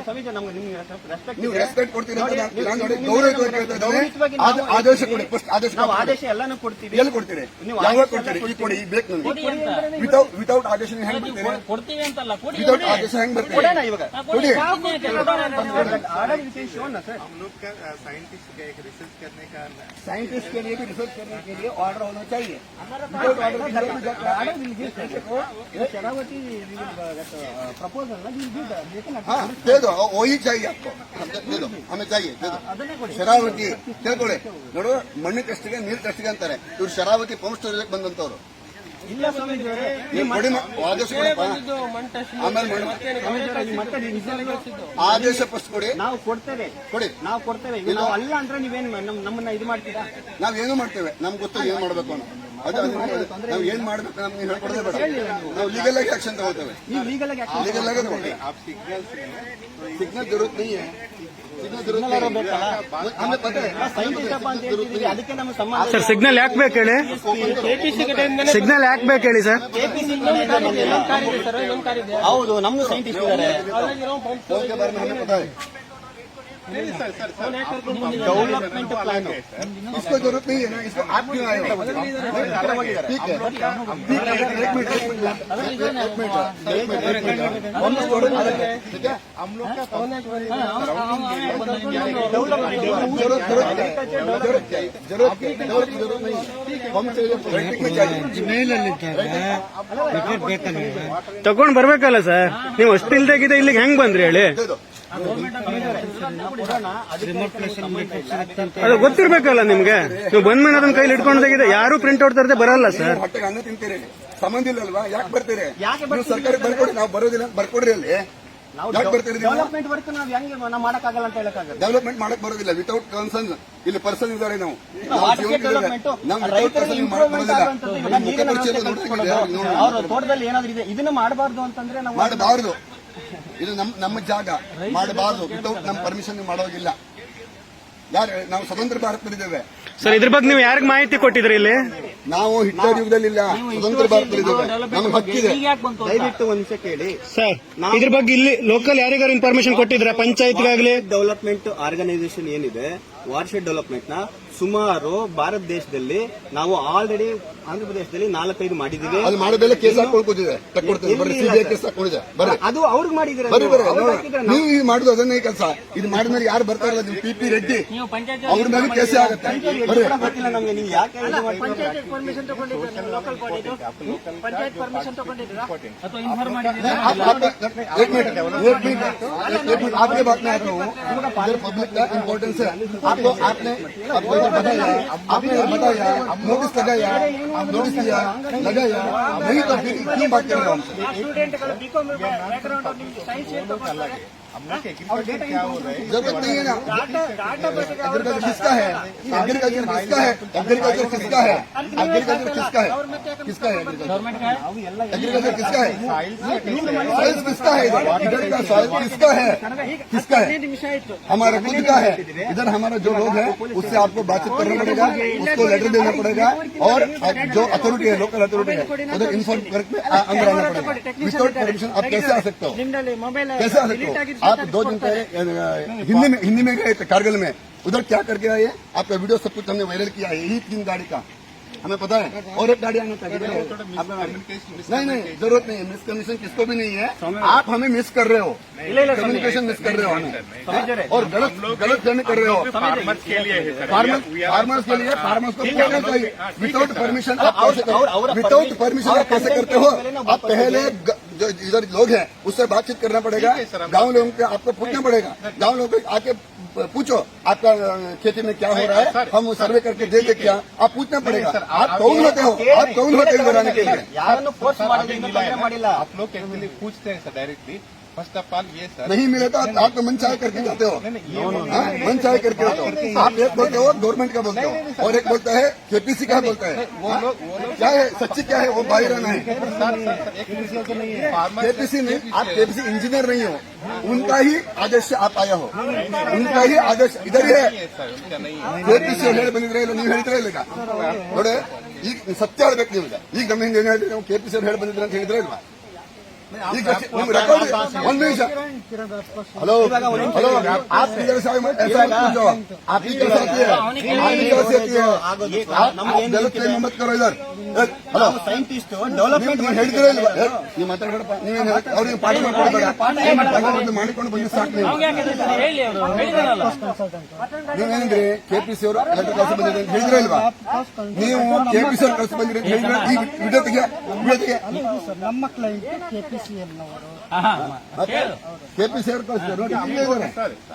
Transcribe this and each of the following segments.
ನೀವು ರೆಸ್ಪೆಕ್ಟ್ ಕೊಡ್ತೀರಿ ಅಂತ ನಾನು ನೋಡಿ ಗೌರವವಾಗಿ ಹೇಳ್ತಾ ಇದ್ದೇನೆ. ಆದೇಶ ಕೊಡಿ, ಫಸ್ಟ್ ಆದೇಶ. ನಾವು ಆದೇಶ ಎಲ್ಲಾನು ಕೊಡ್ತೀವಿ. ಎಲ್ಲಿ ಕೊಡ್ತೀರಿ? ಯಾವಾಗ ಕೊಡ್ತೀರಿ? ಈ ಕೊಡಿ, ಈ ಬೇಕು ನನಗೆ. ವಿತೌಟ್ ಆದೇಶ ಹೆಂಗ್ ಕೊಡ್ತೀವಿ ಅಂತಲ್ಲ, ವಿತೌಟ್ ಆದೇಶ ಹೆಂಗ್ ಬರ್ತೀವಿ? ಇವಾಗ ಕೊಡಿ. साइंटिस्ट के लिए भी रिसर्च करने के लिए ऑर्डर होना चाहिए. शरावती प्रपोजल हाँ दे दो, वही चाहिए आपको. दे दो, हमें चाहिए, दे दो. ಶರಾವತಿ ತಿಳ್ಕೊಳ್ಳಿ. ನೋಡು, ಮಣ್ಣು ಟೆಸ್ಟ್ಗೆ ನೀರು ಟೆಸ್ಟ್ಗೆ ಅಂತಾರೆ. ಇವ್ರು ಶರಾವತಿ ಪಂಪ್ ಸ್ಟೋರೇಜ್ ಬಂದಂತವ್ರು. ಇಲ್ಲ ಸ್ವಾಮೀಜಿ, ಆದೇಶ ಕೊಡಪ್ಪ. ಆಮೇಲೆ ಆದೇಶ ಫಸ್ಟ್ ಕೊಡಿ. ನಾವು ಕೊಡ್ತೇವೆ, ಕೊಡಿ. ನಾವು ಕೊಡ್ತೇವೆ. ನಾವು ಅಲ್ಲ ಅಂದ್ರೆ ನೀವೇನ್ ನಮ್ಮನ್ನ ಇದು ಮಾಡ್ತೀರಾ? ನಾವೇನು ಮಾಡ್ತೇವೆ, ನಮ್ಗೆ ಗೊತ್ತು ಏನ್ ಮಾಡ್ಬೇಕು ಅನ್ನೋ. ನಾವು ಏನ್ ಮಾಡ್ಬೇಕು ನಮ್ಗೆ ನೀವು ಹೇಳ್ಕೊಡೋದೇ ಬೇಡ. ನಾವು ಲೀಗಲ್ ಆಗಿ ಆಕ್ಷನ್ ತಗೊಳ್ತೇವೆ. ನೀವು ಲೀಗಲ್ ಆಗಿ ಲೀಗಲ್ ಆಗಿ ತಗೊಳ್ಳಿ. ಸಿಗ್ನಲ್ ಜरूरत नहीं है. ಅದಕ್ಕೆ ನಮ್ಮ ಸಂಬಂಧ. ಸರ್ ಸಿಗ್ನಲ್ ಯಾಕೆ ಬೇಕು ಹೇಳಿ? ಸಿಗ್ನಲ್ ಯಾಕೆ ಬೇಕು ಹೇಳಿ ಸರ್? ಹೌದು, ನಮ್ದು ಸೈಂಟಿಸ್ಟ್ ಇದ್ದಾರೆ. डेवलपमेंट प्लान इसको जरूरत नहीं है ना, इसको आप क्यों आए हो? ठीक है, हम लोग क्या जरूरत नहीं, हम ತಗೊಂಡ್ ಬರ್ಬೇಕಲ್ಲ ಸರ್. ನೀವು ಅಷ್ಟು ಇಲ್ದಾಗಿದೆ, ಇಲ್ಲಿಗೆ ಹೆಂಗ್ ಬಂದ್ರಿ ಹೇಳಿ? ಅದು ಗೊತ್ತಿರ್ಬೇಕಲ್ಲ ನಿಮ್ಗೆ. ನೀವು ಬಂದ್ಮೇಲೆ ಅದನ್ನ ಕೈಲಿ ಇಟ್ಕೊಂಡಾಗಿದೆ. ಯಾರು ಪ್ರಿಂಟ್ ಔಟ್ ತರದೆ ಬರಲ್ಲ ಸರ್. ಹೊಟ್ಟೆಗೆ ಅನ್ನ ತಿಂತೀರಿ, ಸಂಬಂಧ ಇಲ್ಲಲ್ವಾ? ಯಾಕೆ ಬರ್ತೀರಿ? ನೀವು ಸರ್ಕಾರಕ್ಕೆ ಬರ್ಕೊಡಿ. ನಾವು ಬರೋದಿಲ್ಲ, ಬರ್ಕೊಡ್ರಿ. ಅಲ್ಲಿ ಯಾಕೆ ಬರ್ತೀರಿ? ಡೆವಲಪ್ಮೆಂಟ್ ವರ್ಕ್ ನಾವು ಹೆಂಗೆ ನಾವು ಮಾಡಕ್ಕಾಗಲ್ಲ ಅಂತ ಹೇಳಕ್ಕಾಗಲ್ಲ. ಡೆವಲಪ್ಮೆಂಟ್ ಮಾಡಕ್ ಬರೋದಿಲ್ಲ ವಿತೌಟ್ ಕನ್ಸರ್ನ್. ಇಲ್ಲಿ ಪರ್ಸನ್ ಇದ್ದಾರೆ. ನಾವು ತೋಟದಲ್ಲಿ ಏನಾದ್ರು ಇದೆ, ಇದನ್ನ ಮಾಡಬಾರ್ದು ಅಂತಂದ್ರೆ ನಾವು ಮಾಡಬಾರ್ದು. ಇದು ನಮ್ಮ ಜಾಗ, ಮಾಡಬಾರ್ದು. ವಿತೌಟ್ ನಮ್ಮ ಪರ್ಮಿಷನ್ ಮಾಡೋಗಿಲ್ಲ. ಯಾರು? ನಾವು ಸ್ವತಂತ್ರ ಭಾರತದಲ್ಲಿದ್ದೇವೆ ಸರ್. ಇದ್ರ ಬಗ್ಗೆ ನೀವು ಯಾರಿಗೆ ಮಾಹಿತಿ ಕೊಟ್ಟಿದ್ರಿ ಇಲ್ಲಿ? ನಾವು ಹಿಟ್ಲರ್ ಯುಗದಲ್ಲಿಲ್ಲ, ಸ್ವತಂತ್ರ ಭಾರತದಲ್ಲಿದ್ದೇವೆ. ನಮ್ಗೆ ಹಕ್ಕಿದೆ. ದಯವಿಟ್ಟು ಒಂದ್ ನಿಮಿಷ ಕೇಳಿ ಸರ್. ಇದ್ರ ಬಗ್ಗೆ ಇಲ್ಲಿ ಲೋಕಲ್ ಯಾರಿಗಾರು ಇನ್ಫಾರ್ಮೇಶನ್ ಕೊಟ್ಟಿದ್ರ? ಪಂಚಾಯತ್ಗಾಗ್ಲಿ? ಡೆವಲಪ್ಮೆಂಟ್ ಆರ್ಗನೈಸೇಷನ್ ಏನಿದೆ, ವಾಟರ್ಶೆಡ್ ಡೆವಲಪ್ಮೆಂಟ್ ನ ಸುಮಾರು ಭಾರತ ದೇಶದಲ್ಲಿ ನಾವು ಆಲ್ರೆಡಿ ಆಂಧ್ರ ಪ್ರದೇಶದಲ್ಲಿ 4-5 ಮಾಡಿದೀವಿ. ಅದು ಮಾಡೋದೆಲ್ಲ ಕೇಸ್ ಹಾಕೊಳ್ಕೋದಿದೆ. ಕೇಸ್ ಹಾಕೊಂಡಿದೆ. ಬರ್ರಿ, ಅದು ಅವ್ರಿಗೆ ಮಾಡಿದ್ರೆ ನೀವು ಇದು ಮಾಡುದು ಅದನ್ನೇ ಕೆಲಸ. ಇದು ಮಾಡಿದ್ಮೇಲೆ ಯಾರು ಬರ್ತಾ ಇರಲ್ಲ. ನೀವು PP ರೆಡ್ಡಿ ಅವ್ರ ಮೇಲೆ ಕೇಸೇ ಆಗುತ್ತೆ. ಗೊತ್ತಿಲ್ಲ ನಮ್ಗೆ. ನೀವು ಯಾಕೆ ಪಂಚಾಯತ್ ಪರ್ಮಿಷನ್ ತಗೊಂಡಿದ್ದೀರಾ? ಲೋಕಲ್ ಬಾಡಿದು ಪಂಚಾಯತ್ ಪರ್ಮಿಷನ್ ತಗೊಂಡಿದ್ದೀರಾ ಅಥವಾ ಇನ್ಫಾರ್ಮ್ ಮಾಡಿದ್ದೀರಾ? आपके बात में आ रहा हूँ. पब्लिक का इम्पोर्टेंस है. आपको आपने बताया, नोटिस लगाया, नोटिस दिया, लगाया नहीं, तो फिर क्यों बात कर रहे हो हमसे? ಸ್ಟೂಡೆಂಟ್ಗಳು ಬಿಕಾಂ ಬ್ಯಾಕ್ಗ್ರೌಂಡ್ ಸೈನ್ಸ್ जरूरत नहीं है ना. एग्रीकल्चर किसका है? एग्रीकल्चर किसका है? एग्रीकल्चर किसका है? एग्रीकल्चर किसका है? किसका है एग्रीकल्चर? किसका है? साइंस किसका है? इधर का साइंस किसका है? किसका है? हमारा खुद का है. इधर हमारा जो लोग है उससे आपको बातचीत करना पड़ेगा, उसको लेटर देना पड़ेगा. और जो अथॉरिटी है, लोकल अथॉरिटी है, उधर इन्फॉर्म करके अंदर आना पड़ेगा. विदाउट परमिशन आप कैसे आ सकते हो? कैसे आ सकते हो? आप 2 दिन पहले हिंदी में गए थे कारगिल में. उधर क्या करके आए? आपका वीडियो सब कुछ हमने वायरल किया है. यही 3 गाड़ी का हमें पता है. और एक गाड़ी आना चाहिए. नहीं, जरूरत नहीं है. मिसकम्युनिकेशन किसको भी नहीं है. आप हमें मिस कर रहे हो, कम्युनिकेशन मिस कर रहे हो हमें, और गलत फहमी कर रहे हो. फार्मर्स के लिए फार्मर्स को बोलना चाहिए. विदाउट परमिशन आप कैसे करते हो? आप पहले जो इधर लोग हैं उससे बातचीत करना पड़ेगा. गांव लोगों को आपको पूछना पड़ेगा. गांव लोगों को आके पूछो आपका खेती में क्या हो रहा है, हम सर्वे करके दे दे क्या. आप पूछना पड़ेगा. आप कौन होते हो? आप कौन होते हो बनाने के लिए? आप लोग एक्चुअली पूछते हैं sir directly. First of all ये सर नहीं मिले तो आप तो मन चाहे करके जाते हो. मन चाहे करके जाते हो. आप एक बोलते हो गवर्नमेंट का बोलते हो, और एक बोलता है KPC का बोलता है. क्या है सच्ची, क्या है वो बाहर रहना है. KPC नहीं, आप KPC इंजीनियर नहीं हो. उनका ही आदेश से आप आया हो. उनका ही आदेश इधर ही है. KPC ಹೇಳಿ ಬಂದಿದ್ರೆ ಇಲ್ಲ ನೀವು ಹೇಳ್ತೀರಾ ಇಲ್ಲ? ನೋಡಿ, ಈಗ ಸತ್ಯ ಹೇಳ್ಬೇಕು. ನಿಮ್ಗೆ ಈಗ ನಮ್ಗೆ KPC ಹೇಳಿ ಬಂದಿದ್ರೆ ಅಂತ ಹೇಳಿದ್ರೆ ಇಲ್ವಾ? ಈಗ ನಿಮ್ಗೆ ರೆಕಾರ್ಡ್ ಒಂದು ನಿಮಿಷ हेलो हेलो आप किधर से ऐसा मत पूछो आप किधर से आती है आप किधर से आती है आप गलत क्लेम मत करो इधर हेलो ಸೈಂಟಿಸ್ಟ್ ಡೆವಲಪ್ಮೆಂಟ್ ನೀವು ಹೇಳ್ತೀರಾ ಇಲ್ವಾ ನೀವು ಮಾತಾಡಬೇಡಪ್ಪ ನೀವೇನು ಅವ್ರಿಗೆ ಪಾಠ ಮಾಡ್ಕೊಡ್ಬೇಡ ಮಾಡಿಕೊಂಡು ಬಂದು ಸಾಕು ನೀವು ಹೇಳಿ ಅವರು ಹೇಳಿದಾರಲ್ಲ ನೀವೇನಂದ್ರಿ ಕೆಪಿಸಿ ಅವರು ಲೆಟರ್ ಕಳಿಸಿ ಬಂದಿದೆ ಅಂತ ಹೇಳಿದ್ರ ಇಲ್ವಾ ನೀವು ಕೆಪಿಸಿ ಅವರು ಕಳಿಸಿ ಬಂದಿರಿ ಅಂತ ಹೇಳಿದ್ರೆ ಈ ವಿಡಿಯೋತಿಗೆ ನಮ್ಮ ಕ್ಲೈಂಟ್ ಕೆಪಿಸಿಎಲ್ ಅವರು ಕೆಪಿಸಿ ಅವರು ಕಳಿಸ್ತಾರೆ ನೋಡಿ ಇಲ್ಲೇ ಇದ್ದಾರೆ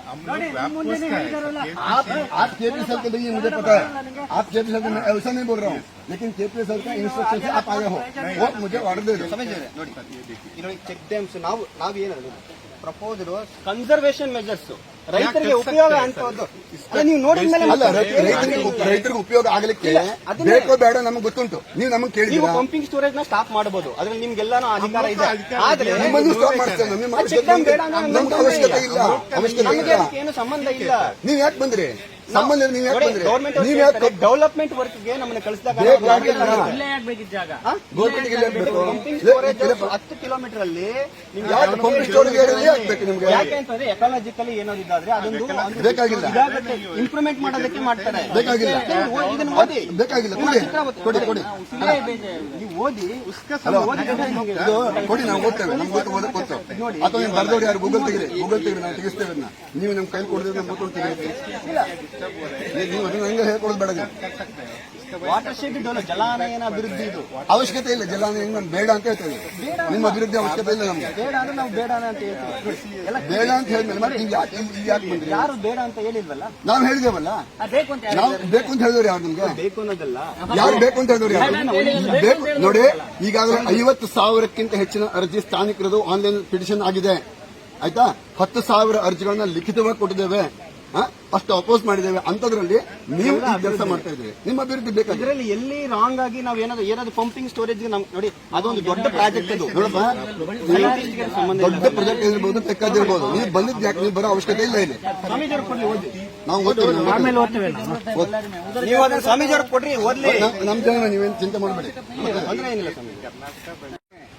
आप केपीएसएल के लिए मुझे पता है आप केपीएसएल के ऐसा नहीं बोल रहा हूँ लेकिन केपीएसएल का इंस्ट्रक्शन से आप आए हो वो मुझे ऑर्डर दे दो ನೋಡಿ ಇಲ್ಲಿ ಚೆಕ್ ಡ್ಯಾಮ್ಸ್ ನಾವು ಏನು ಪ್ರಪೋಸ್ ಕನ್ಸರ್ವೇಷನ್ ಮೆಜರ್ಸ್ ರೈತರಿಗೆ ಉಪಯೋಗ ಅಂತದ್ದು ನೀವು ನೋಡಿದ ಮೇಲೆ ಅಲ್ಲ ರೈತರಿಗೆ ಉಪಯೋಗ ಆಗಲಿಕ್ಕೆ ಬೇಕೋ ಬೇಡ ನಮಗೆ ಗೊತ್ತುಂಟು ನೀವು ನಮಗೆ ನೀವು ಕೇಳಿದ್ದೀರಾ ಪಂಪಿಂಗ್ ಸ್ಟೋರೇಜ್ ನ ಸ್ಟಾಪ್ ಮಾಡಬಹುದು ಅದ್ರಲ್ಲಿ ನಿಮ್ಗೆಲ್ಲಾನು ಅಧಿಕಾರ ಇದೆ ಆದ್ರೆ ನಿಮ್ಮನ್ನು ಸ್ಟಾಪ್ ಮಾಡ್ತೇವೆ ನಮ್ಗೆ ಅವಶ್ಯಕತೆ ಇಲ್ಲ ಅವಶ್ಯಕತೆ ನಮಗೆ ಇಲ್ಲ ಅದಕ್ಕೆ ಏನು ಸಂಬಂಧ ಇಲ್ಲ ನೀವ್ ಯಾಕೆ ಬಂದ್ರಿ ಸಂಬಂಧ ನೀವ್ ಯಾಕೆ ಬಂದ್ರಿ ಗೌರ್ಮೆಂಟ್ ನೀವ್ ಯಾಕೆ ಡೆವಲಪ್ಮೆಂಟ್ ವರ್ಕ್ ಗೆ ನಮ್ಮನ್ನ ಕಳಿಸಿದಾಗ ಬೇಕಾಗಿಲ್ಲ ಇಲ್ಲೇ ಆಗ್ಬೇಕಿದ್ ಜಾಗ ಗೋರ್ಮೆಂಟ್ಗೆ ಇಲ್ಲ ಬೇಕು ಪಂಪಿಂಗ್ ಸ್ಟೋರೇಜ್ 10 ಕಿಲೋಮೀಟರ್ ಅಲ್ಲಿ ನಿಮ್ಗೆ ಯಾಕೆ ಪಂಪಿಂಗ್ ಸ್ಟೋರೇಜ್ ಆಗ್ಬೇಕು ನಿಮ್ಗೆ ಯಾಕೆ ಅಂತಂದ್ರೆ ಎಕಾಲಜಿಕಲಿ ಏನಾದಿದ್ದಾದ್ರೆ ಅದೊಂದು ಬೇಕಾಗಿಲ್ಲ ಇಂಪ್ರೂವ್ಮೆಂಟ್ ಮಾಡೋದಕ್ಕೆ ಮಾಡ್ತಾರೆ ಬೇಕಾಗಿಲ್ಲ ಇದನ್ನ ಓದಿ ಬೇಕಾಗಿಲ್ಲ ಕೊಡಿ ಕೊಡಿ ನೀವು ಓದಿ ಹಲೋ ಇದು ಕೊಡಿ ನಾವು ಓದ್ತೇವೆ ನಮ್ಗೆ ಓದಕ್ಕೆ ಗೊತ್ತು ಅಥವಾ ನೀವು ಬರ್ದವ್ರು ಯಾರು ಗೂಗಲ್ ತೆಗಿರಿ ನಾವು ತೆಗಿಸ್ತೇವೆ ಅದನ್ನ ನೀವು ನಮ್ ಕೈ ಕೊಡಿದ್ರೆ ನಮ್ಮ ಕೂತ್ಕೊಂಡು ತೆಗಿರಿ ನೀವು ಅದನ್ನ ಹಂಗೆ ಹೇಳ್ಕೊಡೋದು ಬೇಡ ನೀವು ವಾಟರ್ ಶೆಡ್ ಜಲಾನಯನ ಅಭಿವೃದ್ಧಿ ಇದು ಅವಶ್ಯಕತೆ ಇಲ್ಲ ಜಲಾನಯನ ನಾನು ಬೇಡ ಅಂತ ಹೇಳ್ತೇವೆ ನಿಮ್ಮ ಅಭಿವೃದ್ಧಿ ಅವಶ್ಯಕತೆ ಇಲ್ಲ ನಮ್ಗೆ ಬೇಡ ಅಂದ್ರೆ ನಾವು ಬೇಡ ಅಂತ ಹೇಳ್ತೀವಿ ಎಲ್ಲ ಬೇಡ ಅಂತ ಹೇಳಿದ್ಮೇಲೆ ಮತ್ತೆ ನೀವು ಯಾಕೆ ಬಂದ್ರಿ ಯಾರು ಬೇಡ ಅಂತ ಹೇಳಿಲ್ವಲ್ಲ ನಾವು ಹೇಳಿದೇವಲ್ಲ ಬೇಕು ಅಂತ ನಾವು ಬೇಕು ಅಂತ ಹೇಳಿದವ್ರು ಯಾರು ನಿಮ್ಗೆ ಬೇಕು ಅನ್ನೋದಲ್ಲ ಯಾರು ಬೇಕು ಅಂತ ಹೇಳಿದವ್ರು ಯಾರು ಬೇಕು ನೋಡಿ ಈಗಾಗಲೇ 50,000ಕ್ಕಿಂತ ಹೆಚ್ಚಿನ ಅರ್ಜಿ ಸ್ಥಾನಿಕರದು ಆನ್ಲೈನ್ ಪಿಟಿಷನ್ ಆಗಿದೆ ಆಯ್ತಾ 10,000 ಅರ್ಜಿಗಳನ್ನ ಲಿಖಿತವಾಗಿ ಕೊಟ್ಟಿದ್ದೇವೆ ಅಷ್ಟು ಅಪೋಸ್ ಮಾಡಿದ್ದೇವೆ ಅಂತದ್ರಲ್ಲಿ ನೀವು ಈ ಕೆಲಸ ಮಾಡ್ತಾ ಇದ್ದೀವಿ ನಿಮ್ಮ ಅಭಿವೃದ್ಧಿ ಬೇಕಾಗಿದೆ ಇದರಲ್ಲಿ ಎಲ್ಲಿ ರಾಂಗ್ ಆಗಿ ನಾವು ಏನಾದ್ರು ಪಂಪಿಂಗ್ ಸ್ಟೋರೇಜ್ ನೋಡಿ ಅದೊಂದು ದೊಡ್ಡ ಪ್ರಾಜೆಕ್ಟ್ ಅದು ನೋಡಪ್ಪ ದೊಡ್ಡ ಪ್ರಾಜೆಕ್ಟ್ ಇರ್ಬೋದು ತೆಕ್ಕದಿರ್ಬೋದು ನೀವು ಬಂದಿದ್ದು ಯಾಕೆ ನೀವು ಬರೋ ಅವಶ್ಯಕತೆ ಇಲ್ಲ ಇಲ್ಲಿ ಸ್ವಾಮೀಜಿಯವ್ರು ಕೊಡ್ಲಿ ಓದಿ ನಾವು ಓದ್ತೇವೆ ಆಮೇಲೆ ಓದ್ತೇವೆ ನೀವು ಅದನ್ನ ಸ್ವಾಮೀಜಿಯವ್ರು ಕೊಡ್ರಿ ಓದ್ಲಿ ನಮ್ಮ ಜನ ನೀವೇನು ಚಿಂತೆ ಮಾಡಬೇಡಿ ತೊಂದ್ರೆ ಏನಿಲ್ಲ ಸ್ವಾಮೀಜಿ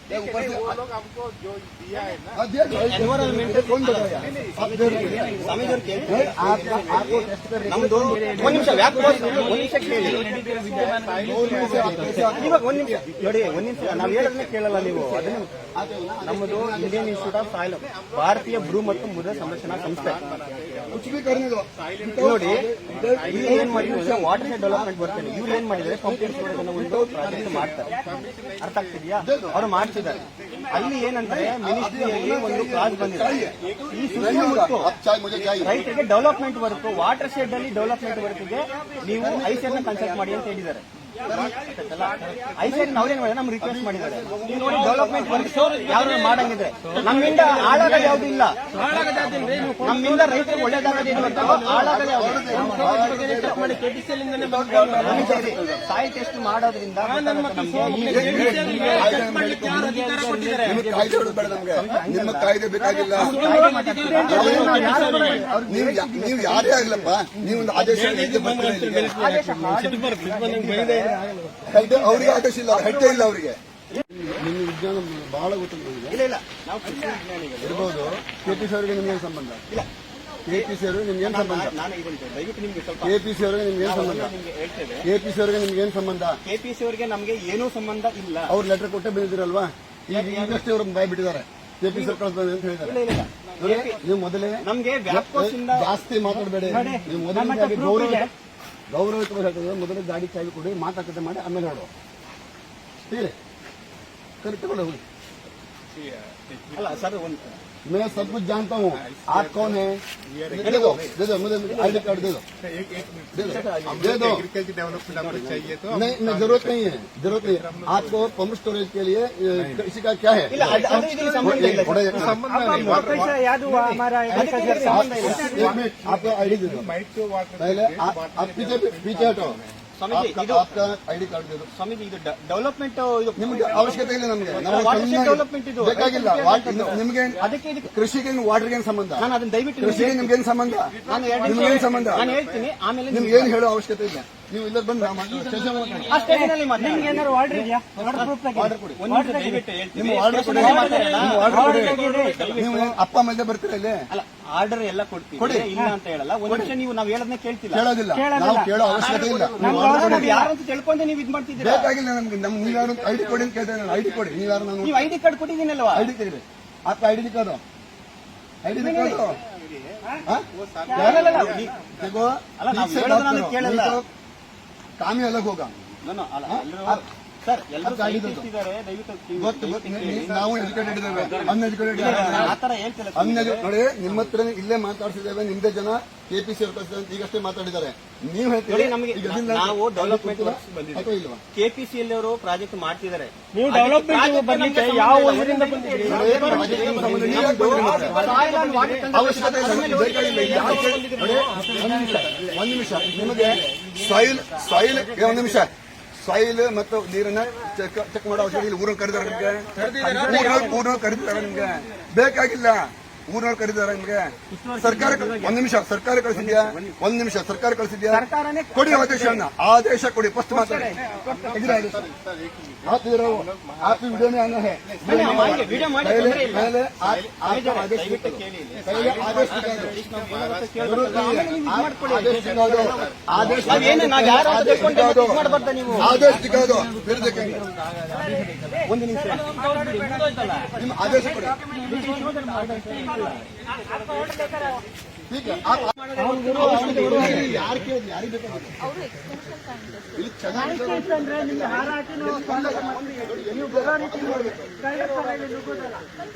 ಸ್ವಾಮೀಜಿಯವ್ರು ಕೇಳ್ತಾರೆ ನಮ್ದು ಒಂದ್ ನಿಮಿಷ ಕೇಳಿ ಇವಾಗ ಒಂದ್ ನಿಮಿಷ ನೋಡಿ ನಾವ್ ಹೇಳೋದನ್ನೇ ಕೇಳಲ್ಲ ನೀವು ಅದನ್ನ ನಮ್ಮದು ಇಂಡಿಯನ್ ಇನ್ಸ್ಟಿಟ್ಯೂಟ್ ಆಫ್ ಸಾಯಿಲ್ ಭಾರತೀಯ ಭೂ ಮತ್ತು ಮೃದ ಸಂರಕ್ಷಣಾ ಸಂಸ್ಥೆ ನೋಡಿ ಇಲ್ಲಿ ಏನ್ ಮಾಡಿದ್ರೆ ವಾಟರ್ ಶೆಡ್ ಡೆವಲಪ್ಮೆಂಟ್ ಬರ್ತೇನೆ ಇವ್ರು ಏನ್ ಮಾಡಿದ್ರೆ ಪಂಪಿಂಗ್ ಸ್ಟೋರೇಜ್ ಅನ್ನೋ ಒಂದು ಪ್ರಾಜೆಕ್ಟ್ ಮಾಡ್ತಾರೆ ಅರ್ಥ ಆಗ್ತಿದ್ಯಾ ಅವ್ರು ಮಾಡ್ತಿದ್ದಾರೆ ಅಲ್ಲಿ ಏನಂದ್ರೆ ಮಿನಿಸ್ಟ್ರಿಯಲ್ಲಿ ಒಂದು ಕ್ಲಾಸ್ ಬಂದಿದೆ ಈ ಸುತ್ತಮುತ್ತ ರೈತರಿಗೆ ಡೆವಲಪ್ಮೆಂಟ್ ವರ್ಕ್ ವಾಟರ್ ಶೆಡ್ ಅಲ್ಲಿ ಡೆವಲಪ್ಮೆಂಟ್ ವರ್ಕ್ಗೆ ನೀವು ಐಸಿಆರ್ ನ ಕನ್ಸಲ್ಟ್ ಮಾಡಿ ಅಂತ ಹೇಳಿದ್ದಾರೆ ಐಸಿಆರ್ ಅವ್ರೇನ್ ಮಾಡಿದ್ರೆ ನಮ್ಗೆ ರಿಕ್ವೆಸ್ಟ್ ಮಾಡಿದ್ದಾರೆ ನೀವು ನೋಡಿ ಡೆವಲಪ್ಮೆಂಟ್ ವರ್ಕ್ ಯಾರು ಮಾಡಂಗಿದ್ರೆ ನಮ್ಮಿಂದ ಹಾಳಾಗೋದು ಯಾವ್ದು ಇಲ್ಲ ನಮ್ಮಿಂದ ರೈತರಿಗೆ ಒಳ್ಳೇದಾಗೋದು ಹಾಳಾಗೋದು ಸಾಯಿಲ್ ಟೆಸ್ಟ್ ಮಾಡೋದ್ರಿಂದ ಕಾಯ್ದೆ ಬೇಡ ನಮ್ಗೆ ನಿಮ್ಮ ಕಾಯ್ದೆ ಬೇಕಾಗಿಲ್ಲ ನೀವು ಯಾರೇ ಆಗ್ಲಪ್ಪ ನೀವೊಂದು ಆದೇಶ ಅವ್ರಿಗೆ ಆದೇಶ ಇಲ್ಲ ಹೆಟ್ಟೆ ಇಲ್ಲ ಅವರಿಗೆ ನಿಮ್ಮ ವಿಜ್ಞಾನ ಬಹಳ ಗೊತ್ತಿಲ್ಲ ಇಲ್ಲ ನಾವು ಇರ್ಬೋದು ಕೆಪಿಸಿ ಅವರಿಗೆ ನಿಮ್ಗೇನು ಸಂಬಂಧ ಇಲ್ಲ ಕೆಪಿಸಿ ಅವರಿಗೆ ನಿಮ್ಗೇನು ಸಂಬಂಧ ನಾನು ದಯವಿಟ್ಟು ನಿಮ್ಗೆ ಸ್ವಲ್ಪ ಕೆಪಿಸಿ ಅವರಿಗೆ ನಿಮ್ಗೇನು ಸಂಬಂಧ ಹೇಳ್ತೇವೆ ಕೆಪಿಸಿ ಅವರಿಗೆ ನಿಮ್ಗೇನು ಸಂಬಂಧ ಕೆಪಿಸಿ ಅವರಿಗೆ ನಮ್ಗೆ ಏನೂ ಸಂಬಂಧ ಇಲ್ಲ ಅವ್ರು ಲೆಟರ್ ಕೊಟ್ಟೆ ಬಂದಿದ್ದೀರಲ್ವಾ ಈಗಷ್ಟೇ ಅವ್ರು ಬಾಯ್ ಬಿಟ್ಟಿದ್ದಾರೆ ಕೆಪಿಸಿ ಸರ್ಕಾರ ಅಂತ ಹೇಳಿದ್ದಾರೆ ನೀವು ಮೊದಲೇ ನಮ್ಗೆ ವ್ಯಾಪ್ಕೋಸಿಂದ ಜಾಸ್ತಿ ಮಾತಾಡಬೇಡಿ ನೀವು ಮೊದಲನೇದಾಗಿ ಗೌರವಿತವಾಗಿ ಹೇಳ್ತಿದ್ರೆ ಮೊದಲೇ ಗಾಡಿ ಚಾವಿ ಕೊಡಿ ಮಾತಾಡ್ಕತೆ ಮಾಡಿ ಆಮೇಲೆ ಹೇಳೋ ಹೇಳಿ ಕರೆಕ್ಟ್ ಹೋಗಿ ಅಲ್ಲ ಸರ್ ಒಂದು मैं सब कुछ जानता हूँ आप कौन है दे दो मुझे आईडी कार्ड दे दो दे दो एग्रीकल्चर डेवलपमेंट आपको चाहिए तो नहीं जरूरत नहीं है आपको पंप स्टोरेज के लिए किसी का क्या है ಇಲ್ಲ ಅದು ಇದಕ್ಕೆ ಸಂಬಂಧ ಇಲ್ಲ संबंध नहीं ಯಾವುದು हमारा एक मिनट आपका आईडी दे दो पहले आप पीछे हटो ಸ್ವಾಮೀಜಿ ಇದು आपका आईडी कार्ड दे दो ಸ್ವಾಮೀಜಿ ಇದು ಡೆವಲಪ್ಮೆಂಟ್ ಇದು ನಿಮ್ಗೆ ಅವಶ್ಯಕತೆ ಇಲ್ಲ ನಮ್ಗೆ ಡೆವಲಪ್ಮೆಂಟ್ ಇದು ಬೇಕಾಗಿಲ್ಲ ನಿಮ್ಗೆ ಅದಕ್ಕೆ ಇದಕ್ಕೆ ಕೃಷಿಗೆ ವಾಟರ್ಗೆ ಸಂಬಂಧ ನಾನು ಅದನ್ನ ದಯವಿಟ್ಟು ಕೃಷಿಗೆ ನಿಮ್ಗೇನು ಸಂಬಂಧ ನಾನು ನಿಮ್ಗೇನು ಸಂಬಂಧ ನಾನು ಹೇಳ್ತೀನಿ ಆಮೇಲೆ ನಿಮ್ಗೇನು ಹೇಳೋ ಅವಶ್ಯಕತೆ ಇಲ್ಲ ನೀವು ಇಲ್ಲ ಬಂದು ಸ್ಟೇಷನ್ ಆ ಸ್ಟೇಷನ್ ಅಲ್ಲಿ ಮಾತಾಡಿ. ನಿಮ್ಗೆ ಏನಾದ್ರು ಆರ್ಡರ್ ಇದೆಯಾ? ಆರ್ಡರ್ ಪ್ರೂಫ್ ಆರ್ಡರ್ ಕೊಡಿ. ಒಂದು ನಿಮಿಷ ದಯವಿಟ್ಟು ಹೇಳ್ತೀನಿ. ನಿಮ್ಮ ಆರ್ಡರ್ ಕೊಡಿ. ಸ್ಟೇಷನ್ ಅಲ್ಲಿ ಮಾತಾಡೋಣ. ನಿಮ್ಮ ಆರ್ಡರ್ ಕೊಡಿ. ನೀವು ಅಪ್ಪ ಅಮ್ಮ ಬರ್ತೀರಾ ಇಲ್ಲಿ? ಅಲ್ಲ ಆರ್ಡರ್ ಎಲ್ಲ ಕೊಡ್ತೀವಿ ಇಲ್ಲ ಅಂತ ಹೇಳಲ್ಲ. ಒಂದು ನಿಮಿಷ ನೀವು ನಾವ್ ಹೇಳೋದನ್ನ ಕೇಳ್ತಿಲ್ಲ. ಕೇಳೋದಿಲ್ಲ. ನಾವು ಕೇಳೋ ಅವಶ್ಯಕತೆ ಇಲ್ಲ. ನಾವು ಯಾರು ಅಂತ ತಿಳ್ಕೊಂಡೆ ನೀವು ಇದ್ ಮಾಡ್ತಿದ್ದೀರಾ. ಬೇಕಾಗಿಲ್ಲ ನಮ್ಗೆ. ನೀವ್ಯಾರು ಐಡಿ ಕೊಡಿ ಅಂತ ಕೇಳ್ತೇನೆ ನಾನು. ಐಡಿ ಕೊಡಿ. ನೀವ್ಯಾರು? ನಾನು ನೀವು ಐಡಿ ಕಾರ್ಡ್ ಕೊಟ್ಟಿದ್ದೀನಲ್ವಾ? ಐಡಿ ತೆಗೆದು आपका आईडी दिखा दो. आईडी दिखा दो. देखो ಅಲ್ಲ ನಾವು ಹೇಳೋದನ್ನ ಕೇಳಲ್ಲ. काम ही अलग होगा. ಸರ್ ಎಲ್ಲರೂ ಇದ್ದಾರೆ ದಯವಿಟ್ಟು ನಾವು ಎಜುಕೇಟೆಡ್ ಇದ್ದೇವೆ, ಅನ್ಎಜುಕೇಟೆಡ್ ಇದ್ದೇವೆ. ಆತರ ಹೇಳ್ತಿಲ್ಲ. ನೋಡಿ ನಿಮ್ಮ ಹತ್ರ ಇಲ್ಲೇ ಮಾತಾಡ್ಸಿದ್ದೇವೆ. ನಿಮ್ದೇ ಜನ ಕೆಪಿಸಿ ಈಗಷ್ಟೇ ಮಾತಾಡಿದ್ದಾರೆ. ನೀವು ಹೇಳ್ತೀರಿ ನಮಗೆ ನಾವು ಡೆವಲಪ್ಮೆಂಟ್ ವರ್ಕ್ಸ್ ಬಂದಿದ್ದೀವಿ. ಇಲ್ವಾ? ಕೆಪಿಸಿಎಲ್ ಅವರು ಪ್ರಾಜೆಕ್ಟ್ ಮಾಡ್ತಿದ್ದಾರೆ. ನೀವು ಡೆವಲಪ್ಮೆಂಟ್ ಬರ್ಲಿಕ್ಕೆ ಯಾವ ಊರಿಂದ ಬಂದಿದ್ದೀರಿ? ಅವಶ್ಯಕತೆ ಒಂದು ನಿಮಿಷ ನಿಮಗೆ ಸಾಯಿಲ್ ಒಂದು ನಿಮಿಷ ಸಾಯಿಲ್ ಮತ್ತು ನೀರನ್ನ ಚೆಕ್ ಮಾಡೋ ಅವಶ್ಯಕತೆ ಇಲ್ಲ. ಊರನ್ನು ಕರೆದಾರೆ ನಿಮ್ಗೆ? ಊರನ್ನು ಕರೆದಿದ್ದಾರೆ ನಿಮ್ಗೆ? ಬೇಕಾಗಿಲ್ಲ. ಊರವ್ರು ಕರೆದಿದ್ದಾರೆ ನಿಮ್ಗೆ? ಸರ್ಕಾರ ಒಂದ್ ನಿಮಿಷ ಸರ್ಕಾರ ಕಳಿಸಿದ್ಯಾ? ಒಂದ್ ನಿಮಿಷ ಸರ್ಕಾರ ಕಳಿಸಿದ್ಯಾ? ಕೊಡಿ ಆದೇಶವನ್ನ. ಆದೇಶ ಕೊಡಿ. ಫಸ್ಟ್ ಮಾತಾಡಿ. आप वीडियो में आना है. पहले आदेश दिखा दो फिर देखेंगे. ಒಂದು ನಿಮಿಷ ನಿಮ್ಮ ಆದೇಶ ಕೊಡಿ. ठीक है. ಯಾರು ಕೇಳಿದ್ರು? ಯಾರಿಗೆ ಬೇಕಾಗಿಲ್ಲ. ಇಲ್ಲಿ ಚೆನ್ನಾಗಿ ಅಂದ್ರೆ ನಿಮ್ಗೆ ಹಾರ ಹಾಕಿ ನೀವು ನೀವು ಬರೋ ರೀತಿ ನುಗ್ಗೋದಲ್ಲ.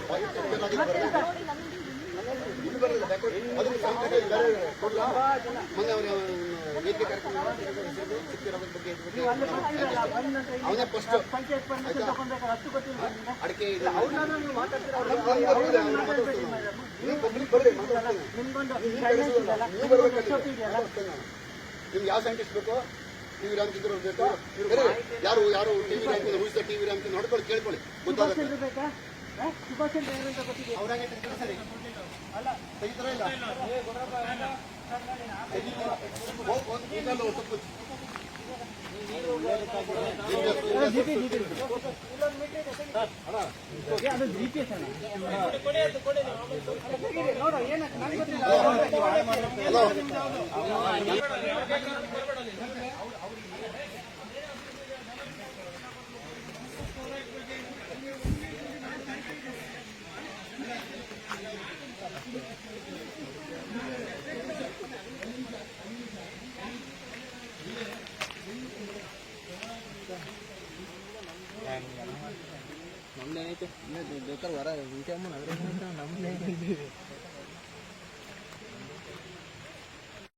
ಅವನೇ ಫಸ್ಟ್ ಪಂಚಾಯತ್ ಪರ್ಮಿಷನ್ ತಗೊಂಡ್ಬೇಕಾದ್ರೆ ಅಷ್ಟು ಗೊತ್ತಿಲ್ಲ. ಅಡಿಕೆ ಅವ್ರನ್ನ ನೀವು ಮಾತಾಡ್ತೀರ. ನಿಮ್ಗೊಂದು ಗೈಡೆನ್ಸ್ ಇದೆಯಲ್ಲ, ನಿಮ್ಗೊಂದು SOP ಇದೆಯಲ್ಲ. ನಿಮ್ಗೆ ಯಾವ ಸೈಂಟಿಸ್ಟ್ ಬೇಕು? ಟಿವಿ ರಾಮಚಂದ್ರ ಬೇಕಾ? ಯಾರು ಯಾರು TV Ramachandra rules TV Ramachandra ನೋಡ್ಕೊಳ್ಳಿ, ಕೇಳ್ಕೊಳ್ಳಿ. ಸುಭಾಷ್ ಚಂದ್ರ ಬೇಕಾ? ಸುಭಾಷ್ ಚಂದ್ರ ಯಾರು ಅಂತ ಗೊತ್ತಿದೆ? ಅವ್ರಾಗೆ ಸರಿ ಅಲ್ಲ ತೆಗಿತಾರ ಇಲ್ಲ ಅದು GPS ಅಣ್ಣ. ನೋಡು ಏನಕ್ಕೆ ನಂಗೆ ಗೊತ್ತಿಲ್ಲ.